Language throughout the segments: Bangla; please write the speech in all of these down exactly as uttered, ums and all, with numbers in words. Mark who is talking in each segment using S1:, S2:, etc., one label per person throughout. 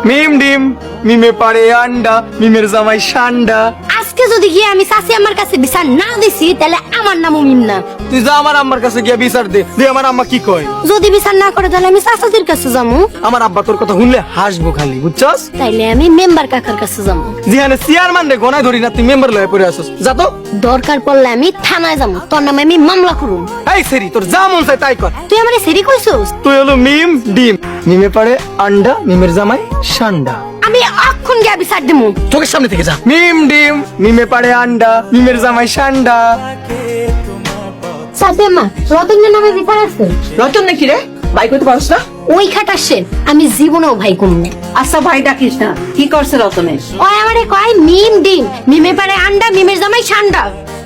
S1: মিম ডিম মিমে পারে আন্ডা মিমের জামাই সান্ডা।
S2: আজকে যদি গিয়ে আমি চাচি আমার কাছে বিচার না দিছি তাহলে আমার নামও মিম না।
S1: তুই যা আমার আম্মার কাছে গিয়া বিচার দে, দে আমার আম্মা কি কয়।
S2: যদি বিচার না করে তাহলে আমি চাচাদের কাছে যাবো।
S1: আমার আব্বা তোর কথা শুনলে হাসবো খালি, বুঝছস?
S2: তাইলে আমি মেম্বার কাকার কাছে যাবো।
S1: যেখানে চেয়ারম্যান রে গনায় ধরি না তুই মেম্বার লয়ে পড়ে আসছ, যা তো।
S2: দরকার পড়লে আমি থানায় যাবো, তোর নামে আমি মামলা করুম।
S1: এই সেরি তোর যা মন চায় তাই কর।
S2: তুই আমারে সেরি কইছস?
S1: তুই হলো মিম ডিম মিমে পারে আন্ডা মিমের জামাই সান্ডা।
S2: আমি অক্ষণ গিয়ে বিচার দেবো।
S1: চোখের সামনে থেকে যা। মিম ডিম মিমে পারে আন্ডা মিমের জামাই সান্ডা।
S2: চাচি আম্মা, রতনের নামে বিচার আছে?
S3: রতন নাকি রে? ভাই কইতে পারছ না?
S2: ওই খাটার সেন আমি জীবনেও ভাই কমু না।
S3: আচ্ছা ভাই ডাকিস না, কি করছে রতনের?
S2: ওই আমারে কয় মিম ডিম মিমে পারে আন্ডা মিমের জামাই সান্ডা।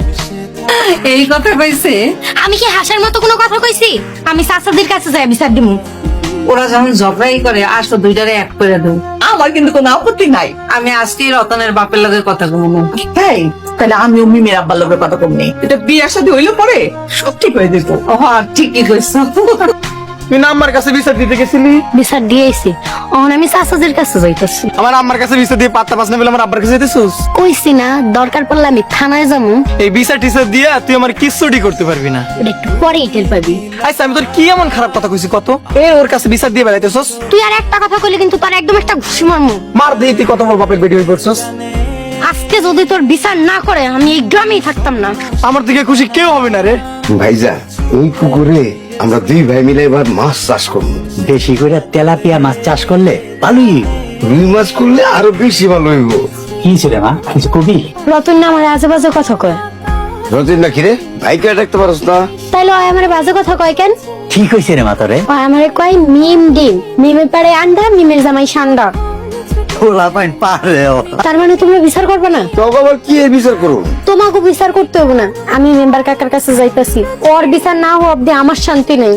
S3: এই কথা কইছে?
S2: আমি কি হাসার মতো কোনো কথা কইছি? আমি চাচাদের কাছে যাই বিচার দেবো।
S3: ওরা যখন ঝগড়াই করে আসো দুইটারে এক করে দেব। আমার কিন্তু কোনো আপত্তি নাই। আমি আজকে রতনের বাপের লগে কথা কমু। তাই তাহলে আমি মিমের আব্বার লগে কথা কমনি। এটা বিয়ার সাথে হইলে পরে সব ঠিক হয়ে যেত। হ্যাঁ ঠিকই কইছ।
S1: তুই না আমার কাছে বিচার দিতে গেছিলি?
S2: বিচার দিয়েছি, এখন আমি চাচাদের কাছে যাইতেছি।
S1: আমার আম্মার কাছে বিচার দিয়ে পাত্তা পাস না বলে আমার আব্বার কাছে যেতেছিস?
S2: কইছি না দরকার পড়লে আমি থানায় যাবো।
S1: এই বিচার টিচার দিয়ে তুই আমার কিচ্ছুটি করতে পারবি না।
S2: এটা একটু পরেই টের পাবি।
S1: আচ্ছা আমি তোর কি এমন খারাপ কথা কইছি কত? এ ওর কাছে বিচার দিয়ে বেড়াইতেছস?
S2: তুই আর একটা কথা কইলে কিন্তু তোর একদম একটা ঘুষি মারমু।
S1: মার দিয়ে তুই কত বড় বাপের বেটি হয়ে পড়ছস।
S2: আজকে যদি তোর বিচার না করে আমি এই গ্রামেই থাকতাম না।
S1: আমার দিকে খুশি কেউ হবে না রে।
S4: ভাইজা ওই পুকুরে আমরা দুই ভাই মিলে এবার মাছ চাষ করবো।
S5: বেশি করে তেলাপিয়া মাছ চাষ করলে ভালোই।
S4: রুই মাছ করলে আরো বেশি ভালো হইব।
S5: কি ছিল মা, কিছু কবি?
S2: রতন না আমার আজে বাজে কথা কয়।
S4: রতিন নাকি রে? ভাইকে ডাকতে পারস না?
S2: তাইলে ওই আমার বাজে কথা কয় কেন?
S5: ঠিক হয়েছে রে মা তোরে।
S2: ওই আমারে কয় মিম ডিম মিমের পারে আন্ডা মিমের জামাই সান্ডা।
S5: খোলা পাইন পারে।
S2: তার মানে তুমি বিচার করবে না?
S4: তবে আবার কি এর বিচার করবো?
S2: তোমাকে বিচার করতে হবে না, আমি মেম্বার কাকার কাছে যাইতাছি। ওর বিচার না হওয়া অব্দি আমার শান্তি নেই।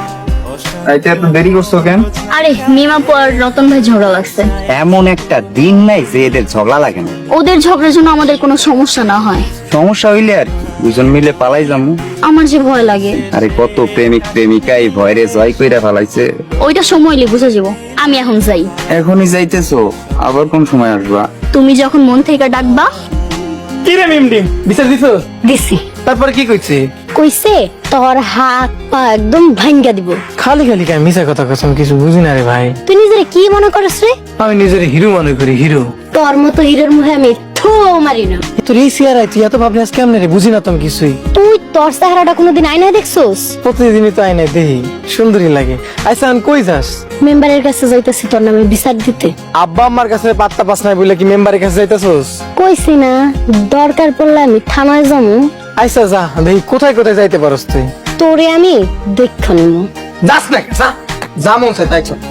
S1: আইতে এত দেরি করছো কেন?
S2: আরে মিমা পর রতন ভাই ঝগড়া লাগছে।
S5: এমন একটা দিন নাই যে এদের ঝগড়া লাগে না।
S2: ওদের ঝগড়ার জন্য আমাদের কোনো সমস্যা না হয়।
S5: সমস্যা হইলে আর কি দুজন মিলে পালাই যাবো।
S2: আমার যে ভয় লাগে।
S5: আরে কত প্রেমিক প্রেমিকা এই ভয়রে জয় কইরা ফেলাইছে।
S2: ওইটা সময় হলে বুঝে যাব। আমি এখন যাই।
S5: এখনই যাইতেছো? আবার কোন সময় আসবা?
S2: তুমি যখন মন থেকে ডাকবা।
S1: কি রে মিম ডিম বিচার দিছস?
S2: দিছি।
S1: তারপর কি কইছে?
S2: কইছে তোর হাত পা একদম ভাঙ্গা দিব।
S1: খালি খালি কাই মিছা কথা কসম কিছু বুঝি না রে ভাই।
S2: তুই নিজের কি মনে করছ রে?
S1: আমি নিজের হিরো মনে করি, হিরো।
S2: তোর মতো হিরোর মুখে আমি থু মারি না।
S1: তোর এই চেহারায় তুই এত ভাবনি আজ কেমনে রে? বুঝি না তো আমি কিছুই।
S2: তুই তোর চেহারাটা কোনোদিন আয়নায় দেখছস?
S1: প্রতিদিনই তো আইনায় দেখি, সুন্দরী লাগে। আচ্ছা আমি কই যাস?
S2: মেম্বারের কাছে যাইতাছি তোর নামে বিচার দিতে।
S1: আব্বা আম্মার কাছে পাত্তা পাস নাই বলে কি মেম্বারের কাছে যাইতাছস?
S2: কইছি না দরকার পড়লে আমি থানায় যাবো।
S1: আচ্ছা যা দেখি কোথায় কোথায় যাইতে পারস তুই।
S2: তোরে আমি দেখে নিব।
S1: যাস না, যা যা মন চায় তাই চল।